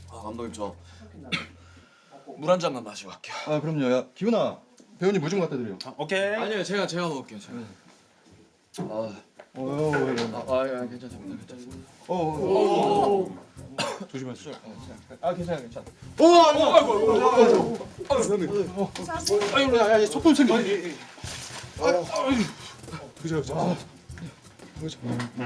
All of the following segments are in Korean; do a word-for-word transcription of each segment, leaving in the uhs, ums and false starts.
아 감독님 저 물 한 잔만 마시고 갈게요. 아 그럼요. 야 기훈아, 배우님 물 좀 갖다 드려. 아, 오케이. 아니요 제가 제가 먹을게요 제가. 아, 어, 어, 아, 아, 아 괜찮습니다 괜찮습니다. 어, 어, 어. 조심하세요. 아 괜찮아 괜찮아. 어, 아이고 아이고 아이고. 아 배우님. 어. 아이고 야야 속도 생겨. 아, 아이고. 그죠 그죠. 그죠.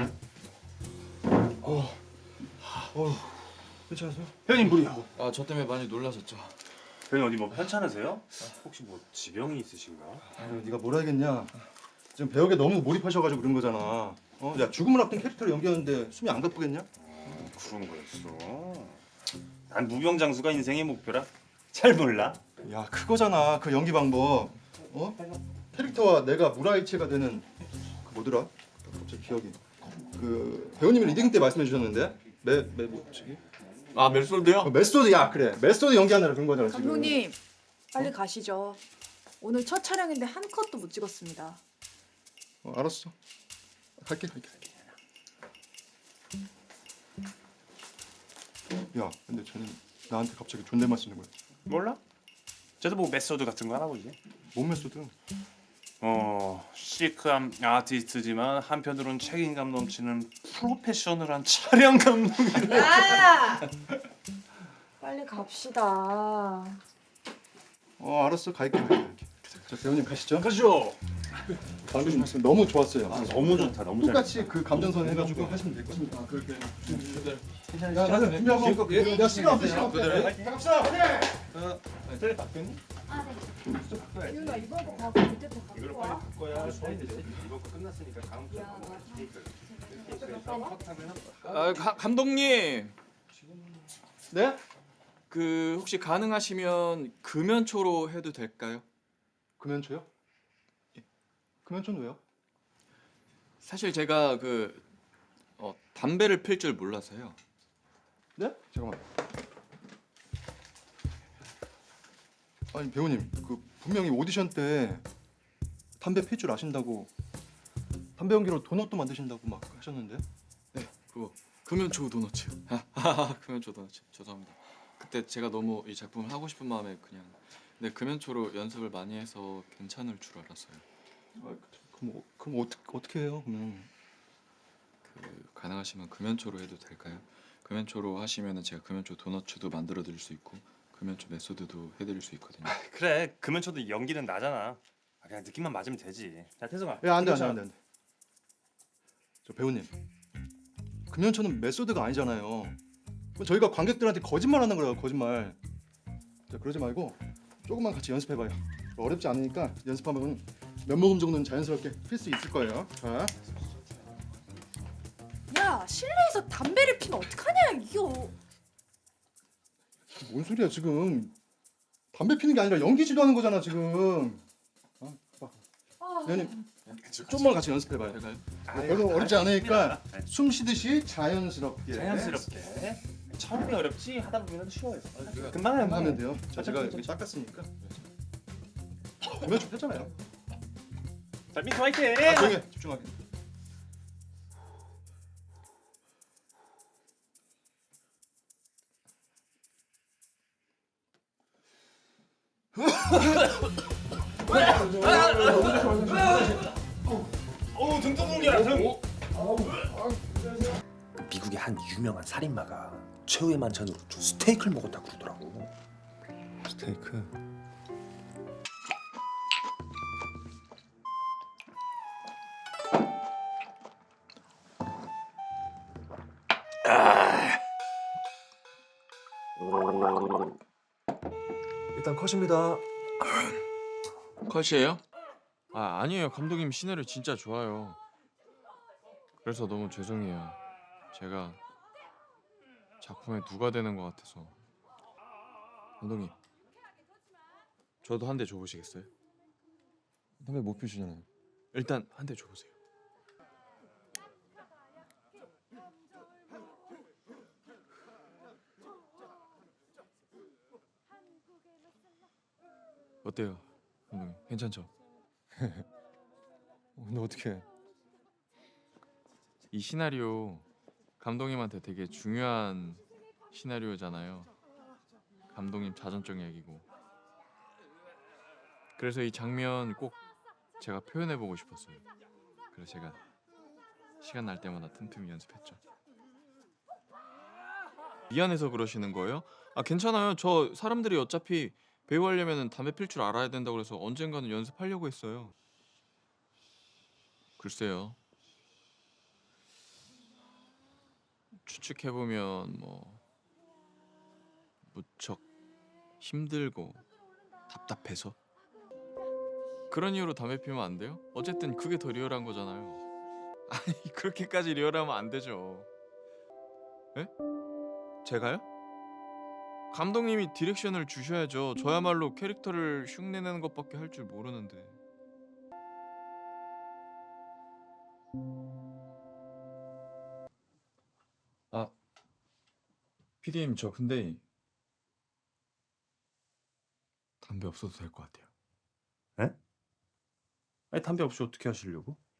어. 어. 괜찮으세요? 회원님 물이요. 아 저 때문에 많이 놀라셨죠? 회원님 어디 뭐 편찮으세요? 혹시 뭐 지병이 있으신가? 아유 네가 뭘 알겠냐. 지금 배역에 너무 몰입하셔가지고 그런 거잖아. 어? 야 죽음을 앞둔 캐릭터를 연기하는데 숨이 안 가쁘겠냐? 어, 그런 거였어. 난 무병장수가 인생의 목표라 잘 몰라. 야 그거잖아 그 연기 방법. 어? 캐릭터와 내가 무라일체가 되는 그 뭐더라? 갑자기 기억이. 그 배우님이 리딩 때 말씀해 주셨는데 메메 뭐지? 아 멜솔드요? 어, 메소드 야 그래 메소드 연기하느라 그런 거잖아 지금. 감독님 빨리 가시죠. 오늘 첫 촬영인데 한 컷도 못 찍었습니다. 어, 알았어. 갈게 갈게. 야 근데 쟤는 나한테 갑자기 존댓말 쓰는 거야. 몰라? 쟤도 뭐 메소드 같은 거 하나 보지. 뭔 메소드? 어, 시크한 아티스트지만 한편으로는 책임감 넘치는 프로페셔널한 촬영 감독이라. 야! 빨리 갑시다. 어 알았어 갈게 갈게 갈게. 자 배우님 가시죠. 가시죠. 방금 말씀 너무 좋았어요. 아, 너무 좋다. 너무 잘. 똑같이 그 감정선 해가지고 하시면 될 것 같습니다. 아 그렇게. 야 나는 준비하고 내가 시간 없어 시간 없어. 갑시다. 텔레 바뀌었니? 유나 이번 거 가고 밑에 거 갖고 와. 거야. 이번 거 끝났으니까 다음 주. 아 가, 감독님 네? 그 혹시 가능하시면 금연초로 해도 될까요? 금연초요? 금연초는 왜요? 사실 제가 그 어, 담배를 필 줄 몰라서요. 네? 잠깐만. 아니 배우님 그 분명히 오디션 때 담배 필 줄 아신다고 담배 연기로 도넛도 만드신다고 막 하셨는데. 네, 그거 금연초 도너츠요. 아, 금연초 도너츠. 죄송합니다. 그때 제가 너무 이 작품을 하고 싶은 마음에 그냥 네 금연초로 연습을 많이 해서 괜찮을 줄 알았어요. 아, 그럼 어- 그럼 어떻게 어떻게 해요? 그러면 그 가능하시면 금연초로 해도 될까요? 금연초로 하시면은 제가 금연초 도너츠도 만들어 드릴 수 있고 금연초 메소드도 해드릴 수 있거든요. 그래. 금연초도 연기는 나잖아. 아, 그냥 느낌만 맞으면 되지. 자, 태성아. 야 안돼 안돼 안돼 안돼. 저 배우님 금연초는 메소드가 아니잖아요. 그건 저희가 관객들한테 거짓말하는 거예요 거짓말. 자 그러지 말고 조금만 같이 연습해봐요. 어렵지 않으니까 연습하면 몇 모금 정도는 자연스럽게 필 수 있을 거예요. 자. 야 실내에서 담배를 피면 어떡하냐 이거. 뭔 소리야 지금? 담배 피는 게 아니라 연기 지도하는 거잖아 지금. 아, 봐. 아, 배우님 좀만 같이 연습해봐요. 될까요? 별로 어렵지 않으니까 숨 쉬듯이 자연스럽게 자연스럽게. 처음이 어렵지 하다 보면 쉬워요. 그래요? 금방 해요. 하면 돼요. 자 제가 이렇게 닦았으니까 보면 좋겠잖아요. 자, 민트 화이팅! 아, 조용히 해. 집중하게. 어우, 등 떠는 등. 미국의 한 유명한 살인마가 최후의 만찬으로 저 스테이크를 먹었다 그러더라고. 스테이크. 일단 컷입니다. 컷이에요? 아 아니에요. 감독님 시나리오 진짜 좋아요. 그래서 너무 죄송해요. 제가 작품에 누가 되는 것 같아서. 감독님 저도 한 대 줘보시겠어요? 담배 못 피우시잖아요. 일단 한 대 줘보세요. 어때요? 감독님 괜찮죠? 근데 어떻게? 이 시나리오 감독님한테 되게 중요한 시나리오잖아요. 감독님 자전적 얘기고. 그래서 이 장면 꼭 제가 표현해보고 싶었어요. 그래서 제가 시간 날 때마다 틈틈이 연습했죠. 미안해서 그러시는 거예요? 아 괜찮아요. 저 사람들이 어차피 배우 하려면 담배 필 줄 알아야 된다고 그래서 언젠가는 연습하려고 했어요. 글쎄요. 추측해보면 뭐 무척 힘들고 답답해서 그런 이유로 담배 피우면 안 돼요? 어쨌든 그게 더 리얼한 거잖아요. 아니 그렇게까지 리얼하면 안 되죠. 에? 제가요? 감독님이 디렉션을 주셔야죠. 저야말로 캐릭터를 흉내내는 것밖에 할 줄 모르는데. 아, 피디님 저 근데 담배 없어도 될 것 같아요. 아니 담배 없이 어떻게 하시려고?